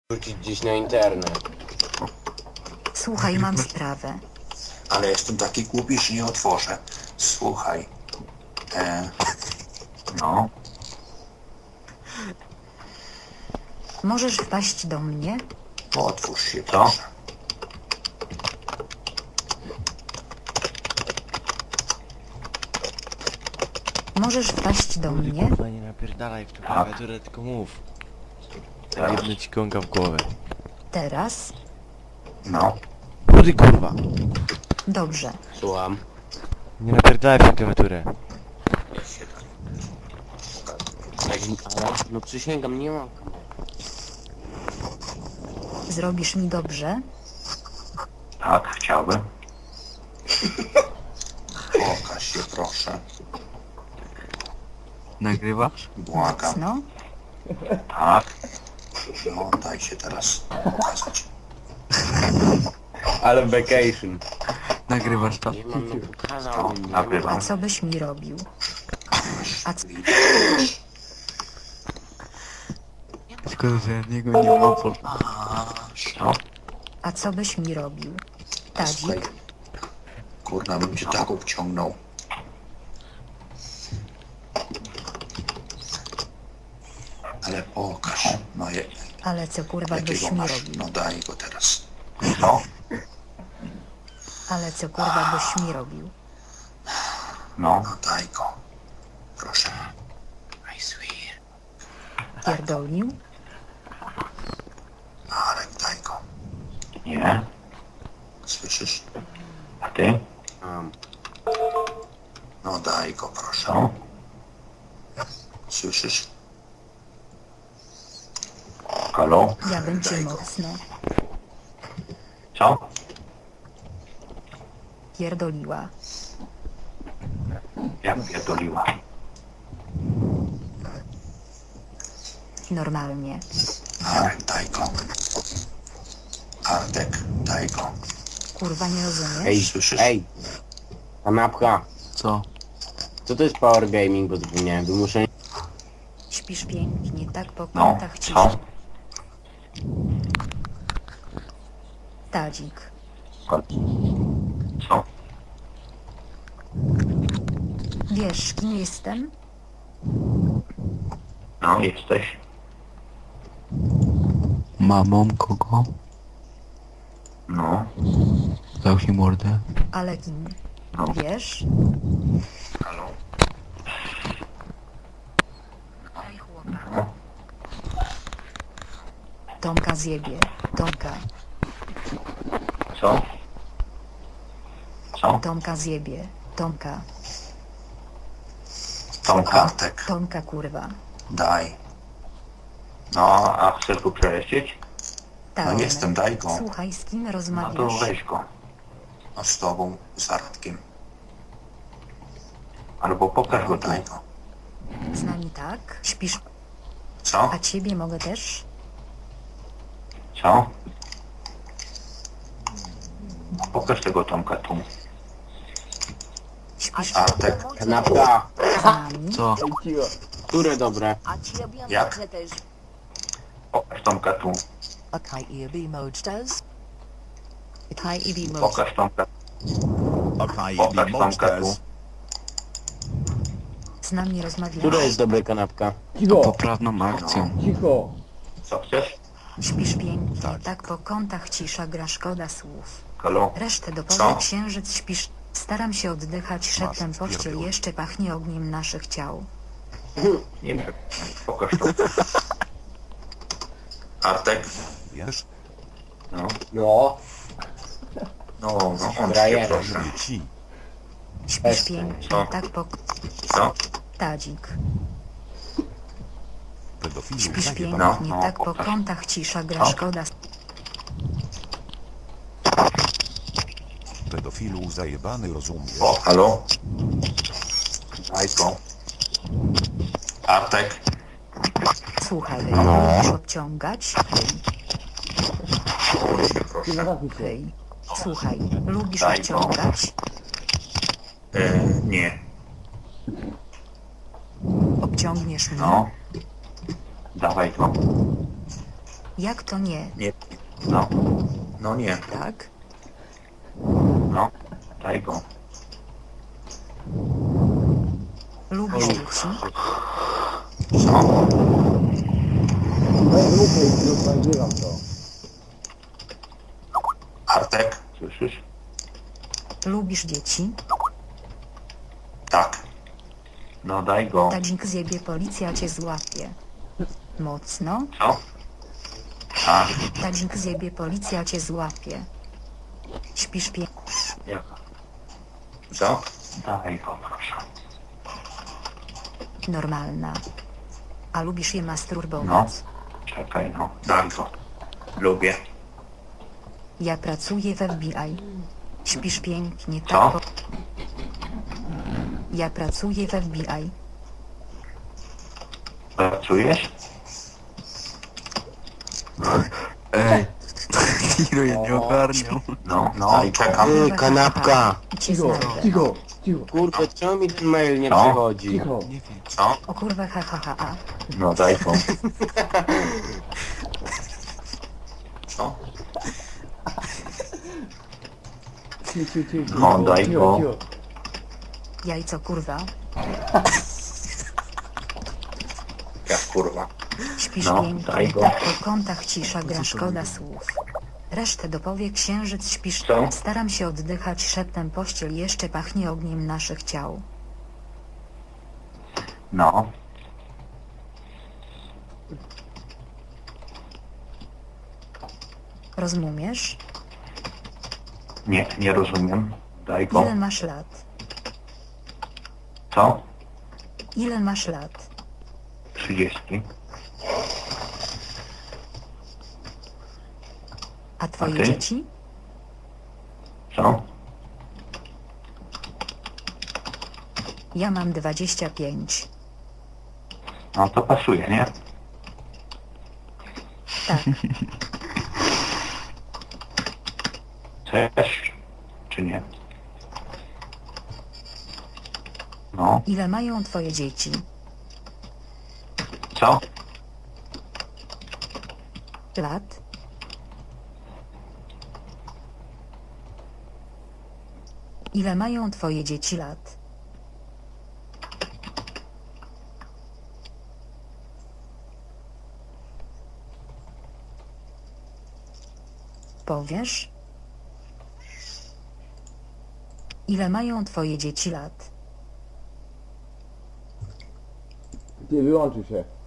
Wrzucić gdzieś na internet. Słuchaj, mam sprawę. Ale jestem taki głupi, że nie otworzę. Słuchaj. No. Możesz wpaść do mnie? Otwórz się, proszę. Możesz wpaść do Kurde, mnie? kurwa, nie napierdalaj w tą klawiaturę, tylko mów. Jedno ci kąka w głowę. Teraz? No. Kurde, kurwa. Dobrze. Słucham. Nie napierdalaj w tą klawiaturę. Ale, no przysięgam, nie mam. Zrobisz mi dobrze? Tak, chciałbym. Pokaż się, proszę. Nagrywasz? Błagam. No? Tak. No, daj się teraz pokazać. Ale vacation. Nagrywasz to? Nie mam, no pokazałbym. No, Nie nagrywam. A co byś mi robił? Szkoda, że ja niego nie mam po... No, A co byś mi robił? słuchaj. Tadzik? Kurna, bym cię tak obciągnął. Ale pokaż. No, Ale co kurwa byś jakiego mi masz? robił? No daj go teraz. No, Ale co kurwa byś mi robił? no daj go. Proszę. I swear. Pierdolił? Arek, daj go. Nie. Słyszysz? A ty? mam. No daj go, proszę. No. Słyszysz? Halo? Ja bym cię Daj go. mocno Co? pierdoliła. Jak pierdoliła. Normalnie. Arek, daj go. Artek, daj go. Kurwa nie rozumiesz? Ej, Słyszysz? ej. Kanapka. Co? Co to jest power gaming, bo zapomniałem. Wymuszenie. Śpisz pięknie, tak po No, kątach co? ciszy. Tadzik. Co? Wiesz, kim jestem? No, jesteś. Mamą kogo? No. Zamknij mordę. Ale kim? No. Wiesz? Halo? Tomka zjebie. Tomka. Co? Co? Tomka zjebie. Tomka. Tomka. Artek, Tomka kurwa. daj. No, a chcesz go przejeździć? Tak. No jestem, daj go. Słuchaj, z kim No to rozmawiasz? weź go. No z tobą, z Artkiem. Albo pokaż go, daj go. Z nami tak? Śpisz? Co? A ciebie mogę też? Co? Pokaż tego Tomka tu. Śpisz Artek, Kanapka. z nami? Co? Które dobre? A ci robiłam Jak? dobrze też. pokaż Tomka tu. Okay, EB mode does. Okay, EB mode. Pokaż Tomka. Okay, Pokaż the Tomka tu. monsters. Z nami rozmawiasz? Które jest dobre, kanapka? Poprawną akcją. Co chcesz? Śpisz pięknie, tak po kątach cisza gra szkoda słów. Halo? Resztę Co? dopowie księżyc śpisz. Staram się oddychać szeptem pościel, pierdół. jeszcze pachnie ogniem naszych ciał. Nie wiem. Pokaż to. Artek? Wiesz, No. No. No, on się Frajerem. proszę. mówię ci. Śpisz Przestań. pięknie, Co? tak po... Co? Tadzik. Pedofilu Śpisz zajebany. pięknie, No, tak po pokaż. kątach cisza gra Co? szkoda. Pedofilu zajebany, rozumiesz? O, halo? Daj go. Artek? Słuchaj, No. lubisz obciągać? Proszę. Hej. Słuchaj, lubisz Daj go. obciągać? Nie. Obciągniesz mnie? No. Dawaj go. Jak to nie? Nie. No. No nie. Tak? No. Daj go. Lubisz dzieci? Co? Artek, słyszysz? Lubisz dzieci? Tak. No daj go. Tadzik zjebie, policja cię złapie. Mocno? Co? A, Tadzik zjebie, policja cię złapie. Śpisz jaka? Co? Daj go, proszę. normalna. A lubisz je No. masturbować? Czekaj, no. Daj go. Lubię. Ja pracuję w FBI. Śpisz pięknie, Co? tak? Ja pracuję w FBI. Pracujesz? Ej, Hiro ja nie ogarniał. No, no i czekam. Kanapka! Cię znajdę. Kurde, czemu mi ten mail nie Co? przychodzi? Nie wiem. Co? O kurwa, ha, ha, ha, ha. No daj go. Co? No daj go. Jajco, kurwa. Jak kurwa. Śpisz No, pięknie, daj go. tak po kątach cisza, gra szkoda słów. Resztę dopowie księżyc, śpisz. Co? Staram się oddychać szeptem, pościel jeszcze pachnie ogniem naszych ciał. No. Rozumiesz? Nie, nie rozumiem. Daj go. Ile masz lat? Co? Ile masz lat? 30. A twoje A ty? dzieci? Co? Ja mam 25. No to pasuje, nie? Tak. Chcesz? Czy nie? No. Ile mają twoje dzieci? Co? Lat? Ile mają twoje dzieci lat? Powiesz? Ile mają twoje dzieci lat? Ty wyłączył się.